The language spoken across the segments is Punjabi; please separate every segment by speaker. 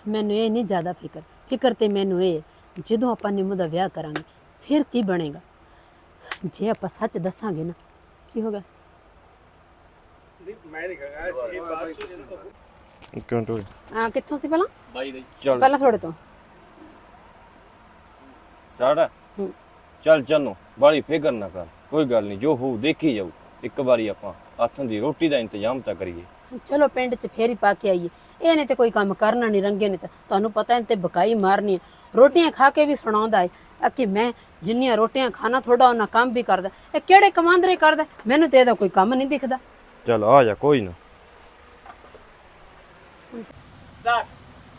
Speaker 1: ਮੈਨੂੰ ਇਹ ਨਹੀਂ ਜ਼ਿਆਦਾ ਫਿਕਰ ਤੇ ਮੈਨੂੰ ਇਹ ਹੈ, ਜਦੋਂ ਆਪਾਂ ਨਿੰਮੋ ਦਾ ਵਿਆਹ ਕਰਾਂਗੇ ਫਿਰ ਕੀ ਬਣੇਗਾ। ਜੇ ਆਪਾਂ ਸੱਚ ਦੱਸਾਂਗੇ ਨਾ ਕੀ ਹੋਗਾ।
Speaker 2: ਮੈਂ ਨਹੀਂ ਕਹਾਂਗਾ ਇਹ ਬਾਤ
Speaker 3: ਕਿਉਂ ਟੋਏ
Speaker 1: ਹਾਂ ਕਿੱਥੋਂ ਸੀ ਪਹਿਲਾਂ?
Speaker 4: ਬਾਈ ਦੇ
Speaker 3: ਚੱਲ
Speaker 1: ਪਹਿਲਾਂ ਤੁਹਾਡੇ ਤੋਂ।
Speaker 3: ਸਟਾਰਟ
Speaker 1: ਹੂੰ।
Speaker 3: ਚੱਲ ਚੰਨੋ ਬਾਲੀ ਫਿਕਰ ਨਾ ਕਰ, ਕੋਈ ਗੱਲ ਨਹੀਂ, ਜੋ ਹੋਊ ਦੇਖੀ ਜਾਊ। ਇੱਕ ਵਾਰੀ ਆਪਾਂ ਹੱਥਾਂ ਦੀ ਰੋਟੀ ਦਾ ਇੰਤਜ਼ਾਮ ਤਾਂ ਕਰੀਏ।
Speaker 1: ਚਲੋ ਪਿੰਡ 'ਚ ਫੇਰ ਹੀ ਪਾ ਕੇ ਆਈਏ। ਇਹਨੇ ਤੇ ਕੋਈ ਕੰਮ ਕਰਨਾ ਨਹੀਂ, ਰੰਗੇ ਨੇ ਤਾਂ ਤੁਹਾਨੂੰ ਪਤਾ ਇਹਨੇ ਤੇ ਬਕਾਈ ਮਾਰਨੀ ਹੈ। ਰੋਟੀਆਂ ਖਾ ਕੇ ਵੀ ਸੁਣਾਉਂਦਾ ਹੈ ਕਿ ਮੈਂ ਜਿੰਨੀਆਂ ਰੋਟੀਆਂ ਖਾਣਾ ਥੋੜਾ ਉਹਨਾਂ ਕੰਮ ਵੀ ਕਰਦਾ। ਇਹ ਕਿਹੜੇ ਕਮਾਂਦਰੇ ਕਰਦਾ, ਮੈਨੂੰ ਤੇ ਇਹਦਾ ਕੋਈ ਕੰਮ ਨਹੀਂ ਦਿਖਦਾ।
Speaker 3: ਚੱਲ ਆ ਜਾ, ਕੋਈ ਨਾ।
Speaker 4: ਸਟਾਰਟ।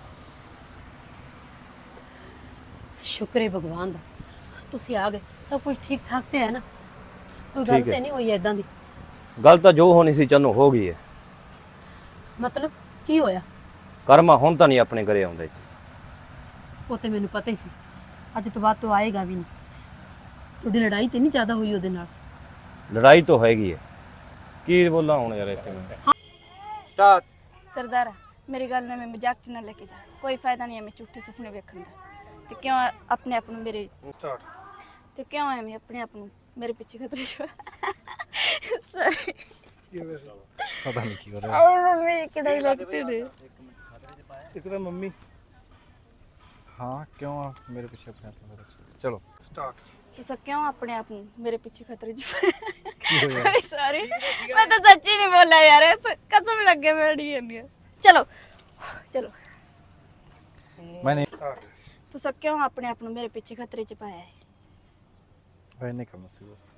Speaker 1: ਸ਼ੁਕਰ ਹੈ ਭਗਵਾਨ ਦਾ ਤੁਸੀਂ ਆ ਗਏ। ਸਭ ਕੁਝ ਠੀਕ ਠਾਕ ਤੇ ਹੈ ਨਾ? ਕੋਈ ਗੱਲ
Speaker 3: ਠੀਕ ਹੈ।
Speaker 1: ਤੇ ਨਹੀਂ ਹੋਈ ਏਦਾਂ ਦੀ?
Speaker 3: ਗੱਲ ਤਾਂ ਜੋ ਹੋਣੀ ਸੀ ਚੰਨੋ ਹੋ ਗਈ ਹੈ।
Speaker 1: ਮਤਲਬ ਕੀ ਹੋਇਆ?
Speaker 3: ਕਰਮਾ ਹੁਣ ਤਾਂ ਨਹੀਂ ਆਪਣੇ ਘਰੇ ਆਉਂਦਾ ਇੱਥੇ।
Speaker 1: ਉਹ ਤੇ ਮੈਨੂੰ ਪਤਾ ਹੀ ਸੀ, ਅੱਜ ਤੋਂ ਬਾਅਦ ਤੋਂ ਆਏਗਾ ਵੀ ਨਹੀਂ। ਤੁਹਾਡੀ ਲੜਾਈ ਤੇ ਨਹੀਂ ਜ਼ਿਆਦਾ ਹੋਈ ਉਹਦੇ ਨਾਲ?
Speaker 3: ਲੜਾਈ ਤਾਂ ਹੈਗੀ ਹੈ, ਕੀ ਬੋਲਾਂ ਹੁਣ ਯਾਰ ਇੱਥੇ ਮੈਂ।
Speaker 4: ਸਟਾਰਟ।
Speaker 5: सरदारा मेरी गल में मजाक च ना लेके जा, कोई फायदा नहीं है मैं झूठे सपने वेखण दा। ते क्यों अपने आप नूं मेरे
Speaker 2: ਸਟਾਰਟ।
Speaker 5: ते क्यों है मैं अपने आप नूं मेरे पीछे खतरे च सॉरी
Speaker 2: ਪਤਾ ਨਹੀਂ ਕੀ ਹੋ ਰਿਹਾ।
Speaker 5: और मम्मी किड़ा लगते ने
Speaker 2: ਇੱਕ ਤਾਂ ਮੰਮੀ ਹਾਂ ਕਿਉਂ ਆ ਮੇਰੇ ਪਿੱਛੇ ਆਪਣੇ ਆਪ ਚਲੋ ਸਟਾਰਟ।
Speaker 5: तो क्यों अपने आप नूं मेरे पीछे खतरे च
Speaker 2: ਕੀ ਹੋਇਆ?
Speaker 5: सॉरी मैं तो सच्ची नहीं बोला यार, कसम लगे बैठी है। चलो चलो
Speaker 2: ਮੈਂ ਨਹੀਂ ਸਟਾਰਟ।
Speaker 5: तो क्यों अपने आप नूं मेरे पीछे खतरे च पाया है?
Speaker 2: ਮੈਂ ਨਹੀਂ ਕਰਨਾ ਸੀ ਬਸ।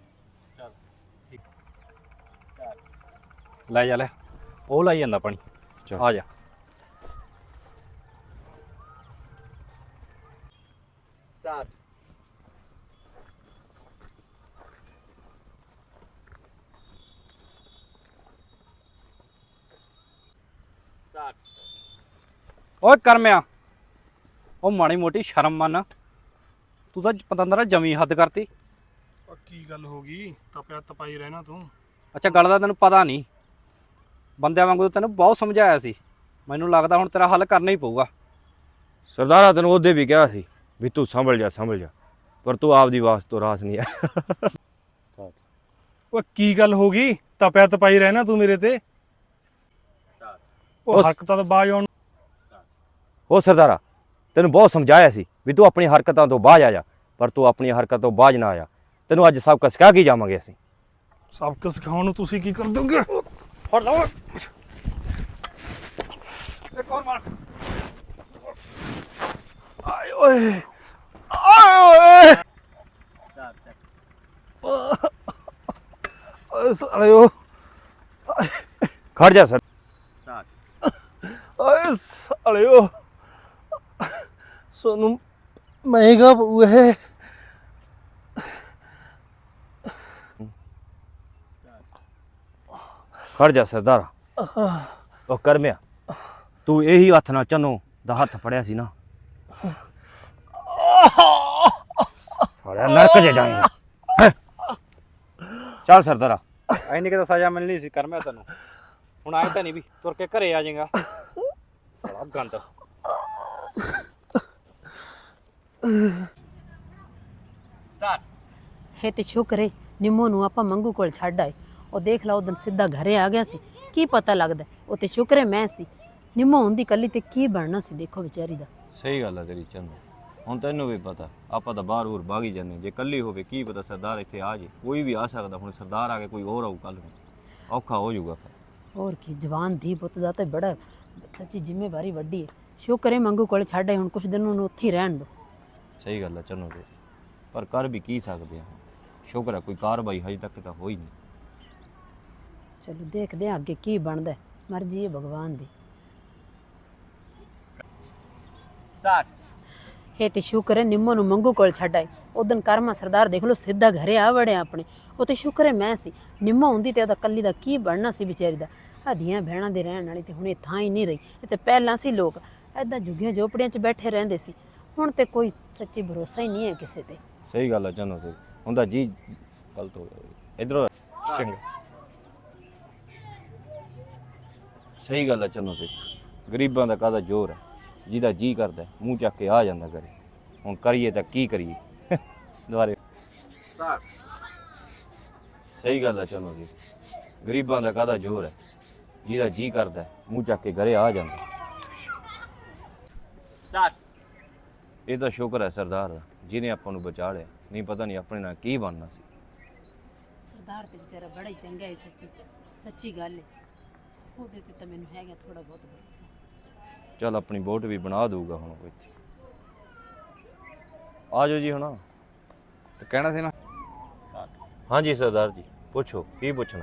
Speaker 4: ਲੈ ਜਾ ਲੈ, ਉਹ ਲਾਈ ਜਾਂਦਾ ਪਾਣੀ।
Speaker 3: ਚੱਲ।
Speaker 4: ਆ ਜਾ। ਸਟਾਰਟ। ਸਟਾਰਟ। ਓਏ ਕਰਮਿਆ, ਉਹ ਮਾੜੀ ਮੋਟੀ ਸ਼ਰਮ ਮੰਨ, ਤੂੰ ਤਾਂ ਪਤੰਦਰਾ ਜਮੀ ਹੱਦ ਕਰਤੀ।
Speaker 2: ਉਹ ਕੀ ਗੱਲ ਹੋ ਗਈ? ਤਪਿਆ ਤਪਾਈ ਰਹਿਣਾ ਤੂੰ।
Speaker 4: ਅੱਛਾ ਗੱਲ ਦਾ ਤੈਨੂੰ ਪਤਾ ਨਹੀਂ, ਬੰਦਿਆਂ ਵਾਂਗੂ ਤਾਂ ਤੈਨੂੰ ਬਹੁਤ ਸਮਝਾਇਆ ਸੀ। ਮੈਨੂੰ ਲੱਗਦਾ ਹੁਣ ਤੇਰਾ ਹੱਲ ਕਰਨਾ ਹੀ ਪਊਗਾ।
Speaker 3: ਸਰਦਾਰਾ ਤੈਨੂੰ ਉਹਦੇ ਵੀ ਕਿਹਾ ਸੀ ਵੀ ਤੂੰ ਸੰਭਲ ਜਾ, ਪਰ ਤੂੰ ਆਪਦੀ ਵਾਸ ਤੋਂ ਰਾਸ ਨਹੀਂ ਆਇਆ।
Speaker 2: ਉਹ ਕੀ ਗੱਲ ਹੋ ਗਈ? ਤਪਿਆ ਤਪਾਈ ਰਹਿਣਾ ਤੂੰ ਮੇਰੇ ਤੇ। ਉਹ ਹਰਕਤਾਂ ਤੋਂ ਬਾਜ ਆਉਣ।
Speaker 3: ਉਹ ਸਰਦਾਰਾ ਤੈਨੂੰ ਬਹੁਤ ਸਮਝਾਇਆ ਸੀ ਵੀ ਤੂੰ ਆਪਣੀ ਹਰਕਤਾਂ ਤੋਂ ਬਾਜ ਆ ਜਾ, ਪਰ ਤੂੰ ਆਪਣੀ ਹਰਕਤ ਤੋਂ ਬਾਜ ਨਾ ਆਇਆ। ਤੈਨੂੰ ਅੱਜ ਸਭ ਕੁਝ ਸਿਖਾ ਕੇ ਜਾਵਾਂਗੇ ਅਸੀਂ।
Speaker 2: ਸਬਕ ਸਿਖਾਉਣ ਨੂੰ ਤੁਸੀਂ ਕੀ ਕਰ ਦੋਗੇ?
Speaker 4: ਫੜ ਲਓ ਇੱਕ ਹੋਰ ਮਾਰ।
Speaker 2: ਆਏ ਓਏ ਆਏ ਓਏ ਓਏ ਸਾਲਿਓ
Speaker 3: ਖੜ ਜਾ ਸਰ।
Speaker 2: ਓਏ ਸਾਲਿਓ ਸੋਨੂੰ ਮਹਿੰਗਾ ਪਊ ਇਹ।
Speaker 3: ਖੜ ਜਾ ਸਰਦਾਰਾ। ਉਹ ਕਰਮਿਆ, ਤੂੰ ਇਹੀ ਹੱਥ ਨਾਲ ਚੰਨੋ ਦਾ ਹੱਥ ਫੜਿਆ ਸੀ ਨਾ, ਫੜਿਆ ਨਰਕ ਚ ਜਾਏਗਾ। ਚੱਲ ਸਰਦਾਰਾ।
Speaker 4: ਐਨੀ ਕਿ ਸਜ਼ਾ ਮਿਲਣੀ ਸੀ ਕਰਮਿਆ ਤੈਨੂੰ। ਹੁਣ ਆਏ ਤਾਂ ਨਹੀਂ ਵੀ ਤੁਰ ਕੇ ਘਰੇ ਆ ਜਾਏਗਾ। ਬੜਾ ਗੰਦ। ਸਟਾਰਟ।
Speaker 1: ਹੈ ਤੇ ਸ਼ੁਕਰ ਹੈ ਨਿੰਮੋ ਨੂੰ ਆਪਾਂ ਮੰਗੂ ਕੋਲ ਛੱਡ ਆਏ। ਉਹ ਦੇਖ ਲਾ ਉਦੋਂ ਸਿੱਧਾ ਘਰੇ ਆ ਗਿਆ ਸੀ, ਕੀ ਪਤਾ ਲੱਗਦਾ। ਉਹ ਤੇ ਸ਼ੁਕਰ ਹੈ ਮੈਂ ਸੀ। ਨਿੰਮੋ ਹੁੰਦੀ ਕੱਲੀ ਤੇ ਕੀ ਬਣਨਾ ਸੀ ਦੇਖੋ ਵਿਚਾਰੀ ਦਾ।
Speaker 3: ਸਹੀ ਗੱਲ ਹੈ ਤੇਰੀ ਚੰਨੋ। ਹੁਣ ਤੈਨੂੰ ਵੀ ਪਤਾ ਆਪਾਂ ਤਾਂ ਬਾਹਰ ਹੋਰ ਭਾਗੀ ਜਾਂਦੇ, ਜੇ ਕੱਲੀ ਹੋਵੇ ਕੀ ਪਤਾ ਸਰਦਾਰ ਇੱਥੇ ਆ ਜੇ। ਕੋਈ ਵੀ ਆ ਸਕਦਾ, ਹੁਣ ਸਰਦਾਰ ਆ ਕੇ ਕੋਈ ਹੋਰ ਆਊ ਕੱਲ ਨੂੰ, ਔਖਾ ਹੋ ਜਾਊਗਾ ਫਿਰ।
Speaker 1: ਹੋਰ ਕੀ, ਜਵਾਨ ਧੀ ਪੁੱਤ ਦਾ ਤੇ ਬੜਾ ਸੱਚੀ ਜ਼ਿੰਮੇਵਾਰੀ ਵੱਡੀ ਹੈ। ਸ਼ੁਕਰ ਹੈ ਮੰਗੂ ਕੋਲ ਛੱਡ ਆਏ, ਹੁਣ ਕੁਛ ਦਿਨ ਉਹਨੂੰ ਉੱਥੇ ਹੀ ਰਹਿਣ ਦੋ।
Speaker 3: ਸਹੀ ਗੱਲ ਹੈ ਚੰਨੋ ਤੇ, ਪਰ ਕਰ ਵੀ ਕੀ ਸਕਦੇ ਆ। ਸ਼ੁਕਰ ਹੈ ਕੋਈ ਕਾਰਵਾਈ ਹਜੇ ਤੱਕ ਤਾਂ ਹੋਈ ਨਹੀਂ।
Speaker 1: ਚਲੋ ਦੇਖਦੇ ਹਾਂ ਅੱਗੇ ਕੀ ਬਣਦਾ, ਮਰਜ਼ੀ ਹੈ ਭਗਵਾਨ ਦੀ।
Speaker 4: ਸਟਾਰਟ।
Speaker 1: ਇਹ ਤੇ ਸ਼ੁਕਰ ਹੈ ਨਿੰਮੋ ਨੂੰ ਮੰਗੂ ਕੋਲ ਛੱਡ ਆਏ। ਉਦੋਂ ਕਰਮਾ ਸਰਦਾਰ ਦੇਖ ਲਓ ਸਿੱਧਾ ਘਰੇ ਆ ਵੜਿਆ ਆਪਣੇ। ਉਹ ਤੇ ਸ਼ੁਕਰ ਹੈ ਮੈਂ ਸੀ। ਨਿੰਮੋ ਹੁੰਦੀ ਤੇ ਉਹਦਾ ਕੱਲੀ ਦਾ ਕੀ ਬਣਨਾ ਸੀ ਵਿਚਾਰੀ ਦਾ। ਆਧੀਆਂ ਭੈਣਾਂ ਦੇ ਰਹਿਣ ਵਾਲੀ ਤੇ ਹੁਣ ਇਹ ਥਾਂ ਹੀ ਨਹੀਂ ਰਹੀ। ਇਹ ਤੇ ਪਹਿਲਾਂ ਸੀ ਲੋਕ ਐਦਾਂ ਝੁੱਗੀਆਂ ਝੋਪੜੀਆਂ 'ਚ ਬੈਠੇ ਰਹਿੰਦੇ ਸੀ, ਹੁਣ ਤੇ ਕੋਈ ਸੱਚੀ ਭਰੋਸਾ ਹੀ ਨਹੀਂ ਹੈ ਕਿਸੇ ਤੇ।
Speaker 3: ਸਹੀ ਗੱਲ ਹੈ ਚੰਨੋ ਤੇ, ਹੁੰਦਾ ਜੀ ਗਲਤ ਹੋ ਗਿਆ ਇਧਰੋਂ।
Speaker 2: ਚੰਗਾ
Speaker 3: ਸਹੀ ਗੱਲ ਹੈ ਚੰਨੋ ਤੇ, ਗਰੀਬਾਂ ਦਾ ਕਾਹਦਾ ਜ਼ੋਰ ਹੈ। ਜਿਹਦਾ ਜੀ ਕਰਦਾ ਮੂੰਹ ਚੱਕ ਕੇ ਆ ਜਾਂਦਾ ਘਰੇ। ਹੁਣ ਕਰੀਏ ਤਾਂ ਕੀ ਕਰੀਏ? ਦੁਬਾਰੇ ਸਹੀ ਗੱਲ ਹੈ ਚਲੋ ਜੀ, ਗਰੀਬਾਂ ਦਾ ਕਾਹਦਾ ਜ਼ੋਰ ਹੈ, ਜਿਹਦਾ ਜੀ ਕਰਦਾ ਮੂੰਹ ਚੱਕ ਕੇ ਘਰੇ ਆ ਜਾਂਦਾ। ਇਹ ਤਾਂ ਸ਼ੁਕਰ ਹੈ ਸਰਦਾਰ ਦਾ, ਜਿਹਨੇ ਆਪਾਂ ਨੂੰ ਬਚਾ ਲਿਆ, ਨਹੀਂ ਪਤਾ ਨਹੀਂ ਆਪਣੇ ਨਾਲ ਕੀ ਬਣਨਾ ਸੀ।
Speaker 1: ਸਰਦਾਰ ਤੇ ਵਿਚਾਰਾ ਬੜਾ ਹੀ ਚੰਗਾ ਹੈ, ਸੱਚੀ ਗੱਲ ਹੈ। ਉਹਦੇ ਤੇ ਤਾਂ ਮੈਨੂੰ ਹੈਗਾ ਥੋੜਾ ਬਹੁਤ ਭਰੋਸਾ।
Speaker 3: ਚੱਲ ਆਪਣੀ ਬੋਟ ਵੀ ਬਣਾ ਦਊਗਾ ਹੁਣ ਕੋਈ। ਆ ਜਾਓ ਜੀ ਹੁਣ।
Speaker 4: ਤੇ ਕਹਿਣਾ ਸੀ ਨਾ।
Speaker 3: ਹਾਂਜੀ ਸਰਦਾਰ ਜੀ, ਪੁੱਛੋ ਕੀ ਪੁੱਛਣਾ।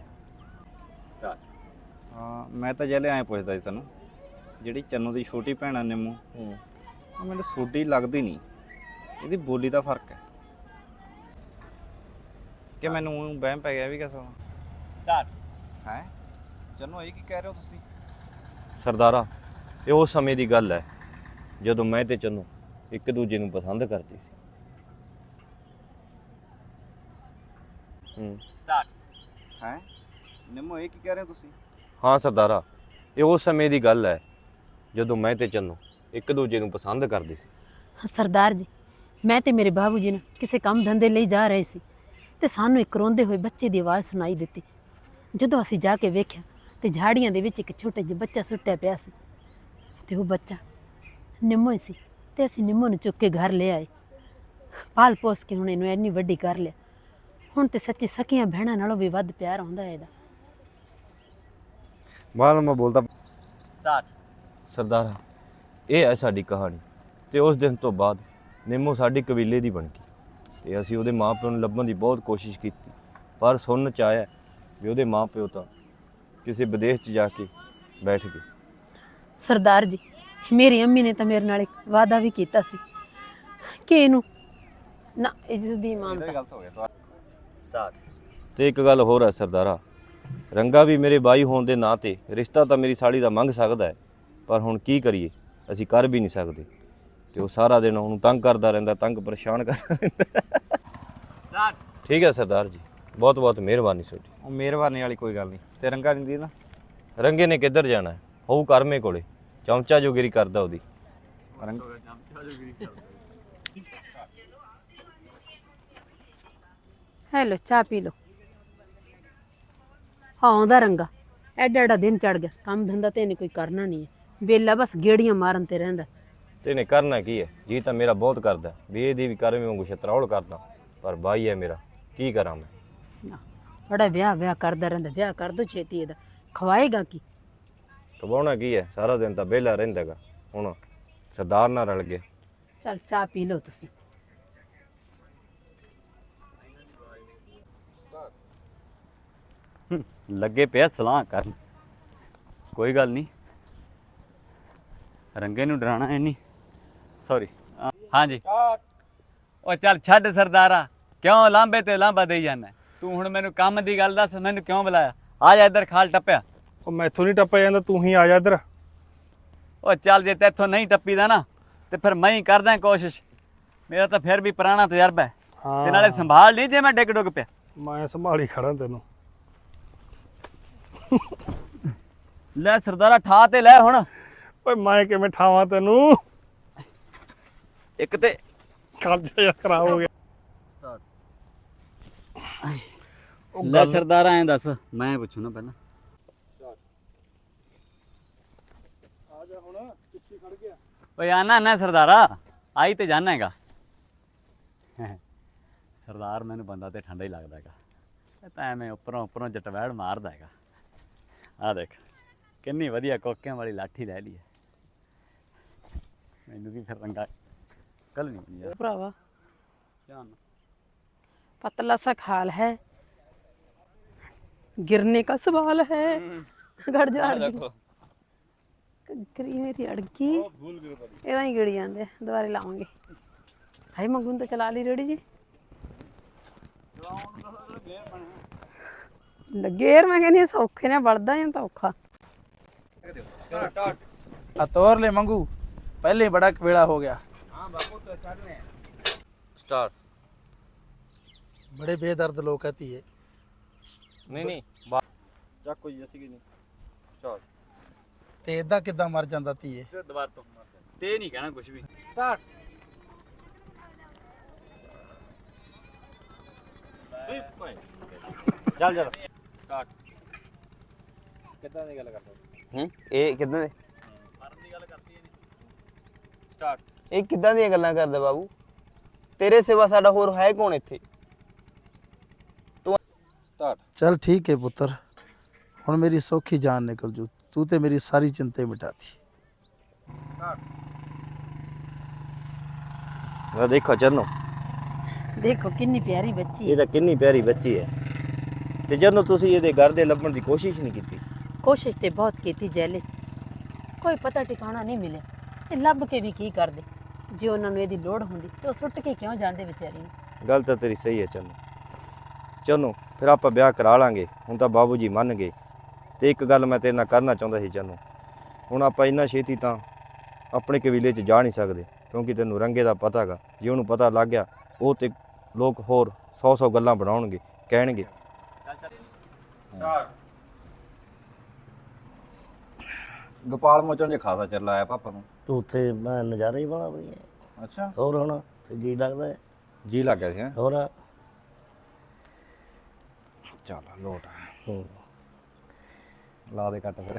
Speaker 4: ਹਾਂ ਮੈਂ ਤਾਂ ਜਲੇ ਐਂ ਪੁੱਛਦਾ ਸੀ ਤੈਨੂੰ, ਜਿਹੜੀ ਚੰਨੂ ਦੀ ਛੋਟੀ ਭੈਣ ਆ ਨਿੰਮੂ, ਉਹ ਮੈਨੂੰ ਸੋਡੀ ਲੱਗਦੀ ਨਹੀਂ, ਇਹਦੀ ਬੋਲੀ ਦਾ ਫਰਕ ਹੈ ਕਿ ਮੈਨੂੰ ਊਂ ਵਹਿਮ ਪੈ ਗਿਆ ਵੀ ਕਿਸਾ ਹੈ। ਚੰਨੂ ਇਹ ਕੀ ਕਹਿ ਰਹੇ ਹੋ ਤੁਸੀਂ?
Speaker 3: ਸਰਦਾਰਾ, ਇਹ ਉਸ ਸਮੇਂ ਦੀ ਗੱਲ ਹੈ ਜਦੋਂ ਮੈਂ ਤੇ ਚੰਨੂ ਇੱਕ ਦੂਜੇ ਨੂੰ ਪਸੰਦ ਕਰਦੇ ਸੀ।
Speaker 4: ਹੈ ਨਿੰਮੂ ਇਹ ਕੀ ਕਹਿ ਰਹੇ ਹੋ ਤੁਸੀਂ?
Speaker 3: ਹਾਂ ਸਰਦਾਰਾ, ਇਹ ਉਸ ਸਮੇਂ ਦੀ ਗੱਲ ਹੈ ਜਦੋਂ ਮੈਂ ਤੇ ਚੰਨੂ ਇੱਕ ਦੂਜੇ ਨੂੰ ਪਸੰਦ ਕਰਦੇ ਸੀ।
Speaker 1: ਸਰਦਾਰ ਜੀ, ਮੈਂ ਤੇ ਮੇਰੇ ਬਾਬੂ ਜੀ ਨੇ ਕਿਸੇ ਕੰਮ ਧੰਦੇ ਲਈ ਜਾ ਰਹੇ ਸੀ ਤੇ ਸਾਨੂੰ ਇੱਕ ਰੋਂਦੇ ਹੋਏ ਬੱਚੇ ਦੀ ਆਵਾਜ਼ ਸੁਣਾਈ ਦਿੱਤੀ। ਜਦੋਂ ਅਸੀਂ ਜਾ ਕੇ ਵੇਖਿਆ ਤੇ ਝਾੜੀਆਂ ਦੇ ਵਿੱਚ ਇੱਕ ਛੋਟਾ ਜਿਹਾ ਬੱਚਾ ਸੁੱਟਿਆ ਪਿਆ ਸੀ ਤੇ ਉਹ ਬੱਚਾ ਨਿੰਮੋ ਹੀ ਸੀ ਤੇ ਅਸੀਂ ਨਿੰਮੋ ਨੂੰ ਚੁੱਕ ਕੇ ਘਰ ਲੈ ਆਏ। ਪਾਲ ਪੋਸ ਕੇ ਹੁਣ ਇਹਨੂੰ ਇੰਨੀ ਵੱਡੀ ਕਰ ਲਿਆ। ਹੁਣ ਤੇ ਸੱਚੀ ਸਕੀਆਂ ਭੈਣਾਂ ਨਾਲੋਂ ਵੀ ਵੱਧ ਪਿਆਰ ਹੁੰਦਾ ਇਹਦਾ।
Speaker 3: ਬਾਅਦ ਮੈਂ ਬੋਲਦਾ ਸਰਦਾਰਾ, ਇਹ ਹੈ ਸਾਡੀ ਕਹਾਣੀ। ਤੇ ਉਸ ਦਿਨ ਤੋਂ ਬਾਅਦ ਨਿੰਮੋ ਸਾਡੀ ਕਬੀਲੇ ਦੀ ਬਣ ਗਈ ਤੇ ਅਸੀਂ ਉਹਦੇ ਮਾਪਿਆਂ ਨੂੰ ਲੱਭਣ ਦੀ ਬਹੁਤ ਕੋਸ਼ਿਸ਼ ਕੀਤੀ, ਪਰ ਸੁਣਨ ਚ ਆਇਆ ਵੀ ਉਹਦੇ ਮਾਪਿਓ ਤਾਂ ਕਿਸੇ ਵਿਦੇਸ਼ 'ਚ ਜਾ ਕੇ ਬੈਠ ਗਏ।
Speaker 1: ਸਰਦਾਰ ਜੀ, ਮੇਰੀ ਅੰਮੀ ਨੇ ਤਾਂ ਮੇਰੇ ਨਾਲ ਇੱਕ ਵਾਅਦਾ ਵੀ ਕੀਤਾ ਸੀ ਕਿ ਇਹਨੂੰ ਨਾ ਇੱਜ਼ਤ ਦੀ ਮਾਨਤਾ।
Speaker 4: ਗਲਤ ਹੋ ਗਿਆ
Speaker 3: ਤੇ ਇੱਕ ਗੱਲ ਹੋਰ ਹੈ ਸਰਦਾਰਾ, ਰੰਗਾ ਵੀ ਮੇਰੇ ਬਾਈ ਹੋਣ ਦੇ ਨਾਂ ਤੇ ਰਿਸ਼ਤਾ ਤਾਂ ਮੇਰੀ ਸਾਲੀ ਦਾ ਮੰਗ ਸਕਦਾ ਹੈ, ਪਰ ਹੁਣ ਕੀ ਕਰੀਏ, ਅਸੀਂ ਕਰ ਵੀ ਨਹੀਂ ਸਕਦੇ। ਤੇ ਉਹ ਸਾਰਾ ਦਿਨ ਉਹਨੂੰ ਤੰਗ ਕਰਦਾ ਰਹਿੰਦਾ, ਤੰਗ ਪਰੇਸ਼ਾਨ ਕਰਦਾ ਰਹਿੰਦਾ। ਠੀਕ ਹੈ ਸਰਦਾਰ ਜੀ, ਬਹੁਤ ਬਹੁਤ ਮਿਹਰਬਾਨੀ ਤੁਹਾਡੀ।
Speaker 4: ਉਹ ਮਿਹਰਬਾਨੀ ਵਾਲੀ ਕੋਈ ਗੱਲ ਨਹੀਂ। ਤੇ ਰੰਗਾ ਨਹੀਂ ਦੀ ਨਾ?
Speaker 3: ਰੰਗੇ ਨੇ ਕਿੱਧਰ ਜਾਣਾ ਹੈ, ਹੋਊ ਕਰਮੇ ਕੋਲੇ, ਚਮਚਾ ਜੋਗਿਰੀ ਕਰਦਾ ਉਹਦੀ।
Speaker 1: ਹੈਲੋ, ਚਾਹ ਪੀ ਲਓ। ਹਾਂ ਆਉਂਦਾ ਰੰਗਾ, ਐਡਾ ਐਡਾ ਦਿਨ ਚੜ ਗਿਆ, ਕੰਮ ਧੰਦਾ ਤੇ ਇਹਨੇ ਕੋਈ ਕਰਨਾ ਨਹੀਂ ਹੈ, ਵੇਲਾ ਬਸ ਗੇੜੀਆਂ ਮਾਰਨ ਤੇ ਰਹਿੰਦਾ।
Speaker 3: ਤੇ ਇਹਨੇ ਕਰਨਾ ਕੀ ਹੈ, ਜੀ ਤਾਂ ਮੇਰਾ ਬਹੁਤ ਕਰਦਾ ਵੀ ਇਹਦੀ ਵੀ ਕਰਮੇ ਵਾਂਗੂ ਛਤਰੌਲ ਕਰਦਾ, ਪਰ ਬਾਈ ਹੈ ਮੇਰਾ, ਕੀ ਕਰਾਂ ਮੈਂ।
Speaker 1: ਨਾ, ਬੜਾ ਵਿਆਹ ਕਰਦਾ ਰਹਿੰਦਾ। ਵਿਆਹ ਕਰ ਦੋ ਛੇਤੀ, ਇਹਦਾ ਖਵਾਏਗਾ ਕੀ?
Speaker 3: ਕਵਾਉਣਾ ਕੀ ਹੈ, ਸਾਰਾ ਦਿਨ ਤਾਂ ਵਿਹਲਾ ਰਹਿੰਦਾਗਾ। ਹੁਣ ਸਰਦਾਰ ਨਾਲ ਰਲ ਗਿਆ।
Speaker 1: ਚੱਲ ਚਾਹ ਪੀ ਲਓ ਤੁਸੀਂ।
Speaker 6: ਲੱਗੇ ਪਿਆ ਸਲਾਹ ਕਰਨ। ਕੋਈ ਗੱਲ ਨਹੀਂ, ਰੰਗੇ ਨੂੰ ਡਰਾਣਾ ਹੈ ਨਹੀਂ। ਸੌਰੀ। ਹਾਂਜੀ ਉਹ ਚੱਲ ਛੱਡ ਸਰਦਾਰਾ, ਕਿਉਂ ਲਾਂਬੇ ਤੇ ਲਾਂਬਾ ਦੇਈ ਜਾਂਦਾ? ਤੂੰ ਹੁਣ ਮੈਨੂੰ ਕੰਮ ਦੀ ਗੱਲ ਦੱਸ, ਮੈਨੂੰ ਕਿਉਂ ਬੁਲਾਇਆ? ਆ ਜਾ ਇੱਧਰ, ਖਾਲ ਟੱਪਿਆ।
Speaker 2: ਉਹ ਮੈਥੋਂ ਨਹੀਂ ਟੱਪਿਆ ਜਾਂਦਾ, ਤੂੰ ਹੀ ਆ ਜਾ ਇੱਧਰ।
Speaker 6: ਉਹ ਚੱਲ, ਜੇ ਤੇਥੋਂ ਨਹੀਂ ਟੱਪੀਦਾ ਨਾ ਤੇ ਫਿਰ ਮੈਂ ਹੀ ਕਰਦਾ ਕੋਸ਼ਿਸ਼। ਮੇਰਾ ਤਾਂ ਫਿਰ ਵੀ ਪੁਰਾਣਾ ਤਜਰਬਾ ਹੈ। ਤੇ ਨਾਲੇ ਸੰਭਾਲ ਲਈ ਜੇ ਮੈਂ ਡਿੱਗ ਡੁੱਗ ਪਿਆ।
Speaker 2: ਮੈਂ ਸੰਭਾਲੀ ਖੜਾ ਤੈਨੂੰ।
Speaker 6: ਲੈ ਸਰਦਾਰਾ, ਠਾ ਤੇ ਲੈ ਹੁਣ।
Speaker 2: ਓਏ ਮੈਂ ਕਿਵੇਂ ਠਾਵਾਂ ਤੈਨੂੰ?
Speaker 6: ਇੱਕ ਤੇ
Speaker 2: ਖਰਚਾ ਜਿਹਾ ਖਰਾਬ ਹੋ ਗਿਆ।
Speaker 6: ਲੈ ਸਰਦਾਰਾ, ਐਂ ਦੱਸ, ਮੈਂ ਪੁੱਛੂ ਨਾ ਪਹਿਲਾਂ।
Speaker 2: ਆ ਜਾ ਹੁਣ, ਪਿੱਛੇ ਖੜ ਗਿਆ।
Speaker 6: ਓਏ ਆਨਾ ਨਾ ਸਰਦਾਰਾ, ਆਈ ਤੇ ਜਾਣਾ ਹੈਗਾ। ਸਰਦਾਰ ਮੈਨੂੰ ਬੰਦਾ ਤੇ ਠੰਡਾ ਹੀ ਲੱਗਦਾ ਹੈਗਾ। ਇਹ ਤਾਂ ਐਵੇਂ ਉੱਪਰੋਂ ਜਟਵੈੜ ਮਾਰਦਾ ਹੈਗਾ। ਆ ਦੇਖ ਕਿੰਨੀ ਵਧੀਆ ਕੋਕਿਆਂ ਵਾਲੀ ਲਾਠੀ ਲੈ ਲਈ ਹੈ। ਮੈਨੂੰ ਵੀ ਫਿਰ ਰੰਗਾ ਕੱਲ ਨਹੀਂ ਬਣੀ ਯਾਰ
Speaker 1: ਭਰਾਵਾ,
Speaker 6: ਧਿਆਨ।
Speaker 1: पतला सा खाल है, गिरने का सवाल है। गड़ जा करी मेरी अड़की, एवं ही गिड़ी जाते, दोबारा लावांगे। हाय मंगून तो चला ली रेडी जी। गेर मैं कहनी सौखे ने बढ़दा या तो औखा।
Speaker 7: तोर ले मंगू, पहले बड़ा कबेड़ा हो गया।
Speaker 3: स्टार्ट।
Speaker 7: बड़े बेदर्द लोग कहती है।
Speaker 3: नहीं चाकू जैसी की नहीं। स्टार्ट।
Speaker 7: ਤੇ ਇਦਾਂ ਕਿੱਦਾਂ ਮਰ ਜਾਂਦਾ ਧੀਏ?
Speaker 6: ਦੁਬਾਰ ਤੋਂ ਤੇ ਨਹੀਂ ਕਹਿਣਾ ਕੁਝ ਵੀ।
Speaker 4: ਸਟਾਰਟ।
Speaker 3: ਚੱਲ ਚੱਲ
Speaker 6: ਸਟਾਰਟ।
Speaker 2: ਕਿੱਦਾਂ ਦੀ ਗੱਲ ਕਰਦਾ?
Speaker 8: ਇਹ ਕਿੱਦਾਂ ਦੇ
Speaker 6: ਮਰਨ ਦੀ ਗੱਲ ਕਰਦੀ ਹੈ ਨਹੀਂ। ਸਟਾਰਟ।
Speaker 8: ਇਹ ਕਿੱਦਾਂ ਦੀਆਂ ਗੱਲਾਂ ਕਰਦਾ ਬਾਬੂ? ਤੇਰੇ ਸਿਵਾ ਸਾਡਾ ਹੋਰ ਹੈ ਕੌਣ ਇੱਥੇ?
Speaker 2: ਸਟਾਰਟ।
Speaker 7: ਚਲ ਠੀਕ ਹੈ ਪੁੱਤਰ, ਹੁਣ ਮੇਰੀ ਸੌਖੀ ਜਾਨ ਨਿਕਲ ਜੂ। ਤੂੰ ਤੇ ਮੇਰੀ ਸਾਰੀ ਚਿੰਤਾ ਮਿਟਾਤੀ।
Speaker 3: ਆ ਦੇਖੋ ਚੰਨੋ,
Speaker 1: ਦੇਖੋ ਕਿੰਨੀ ਪਿਆਰੀ ਬੱਚੀ
Speaker 3: ਇਹ
Speaker 1: ਹੈ।
Speaker 3: ਤਾਂ ਕਿੰਨੀ ਪਿਆਰੀ ਬੱਚੀ ਹੈ, ਤੇ ਜਦੋਂ ਤੁਸੀਂ ਇਹਦੇ ਘਰ ਦੇ ਲੱਭਣ ਦੀ ਕੋਸ਼ਿਸ਼ ਨਹੀਂ ਕੀਤੀ।
Speaker 1: ਕੋਸ਼ਿਸ਼ ਤੇ ਬਹੁਤ ਕੀਤੀ ਜੈਲੇ, ਕੋਈ ਪਤਾ ਟਿਕਾਣਾ ਨਹੀਂ ਮਿਲਿਆ। ਇਹ ਲੱਭ ਕੇ ਵੀ ਕੀ ਕਰਦੇ? ਜੇ ਉਹਨਾਂ ਨੂੰ ਇਹਦੀ ਲੋੜ ਹੁੰਦੀ ਤੇ ਉਹ ਸੁੱਟ ਕੇ ਕਿਉਂ ਜਾਂਦੇ ਵਿਚਾਰੀ ਨੂੰ?
Speaker 3: ਗੱਲ ਤਾਂ ਤੇਰੀ ਸਹੀ ਹੈ ਚੰਨੋ। ਚੰਨੋ ਫਿਰ ਆਪਾਂ ਵਿਆਹ ਕਰਾ ਲਾਂਗੇ, ਹੁਣ ਤਾਂ ਬਾਬੂ ਜੀ ਮੰਨ ਗਏ। ਤੇ ਇੱਕ ਗੱਲ ਮੈਂ ਤੇਰੇ ਨਾਲ ਕਰਨਾ ਚਾਹੁੰਦਾ ਸੀ ਚੰਨੋ, ਹੁਣ ਆਪਾਂ ਇੰਨਾ ਛੇਤੀ ਤਾਂ ਆਪਣੇ ਕਬੀਲੇ 'ਚ ਜਾ ਨਹੀਂ ਸਕਦੇ, ਕਿਉਂਕਿ ਤੈਨੂੰ ਰੰਗੇ ਦਾ ਪਤਾ ਹੈਗਾ। ਜੇ ਉਹਨੂੰ ਪਤਾ ਲੱਗ ਗਿਆ, ਉਹ ਤੇ ਲੋਕ ਹੋਰ 100 ਗੱਲਾਂ ਬਣਾਉਣਗੇ, ਕਹਿਣਗੇ।
Speaker 2: ਗੋਪਾਲ ਮੋਚਨ ਜੇ ਖਾਸਾ ਚਿਰ ਲਾਇਆ ਪਾਪਾ ਨੂੰ।
Speaker 9: ਤੂੰ ਉੱਥੇ ਮੈਂ ਨਜ਼ਾਰਾ ਹੀ ਬਣਾ ਬਈ
Speaker 2: ਅੱਛਾ,
Speaker 9: ਹੋਰ ਹੁਣ ਤੇ ਜੀ ਲੱਗਦਾ ਹੈ।
Speaker 2: ਜੀ ਲੱਗ ਗਿਆ ਸੀ ਹੈਂ?
Speaker 9: ਹੋਰ
Speaker 2: ਚੱਲ ਲੋਟ
Speaker 9: ਹੂੰ।
Speaker 2: ਲਾ ਦੇ ਕੱਟ ਫਿਰ।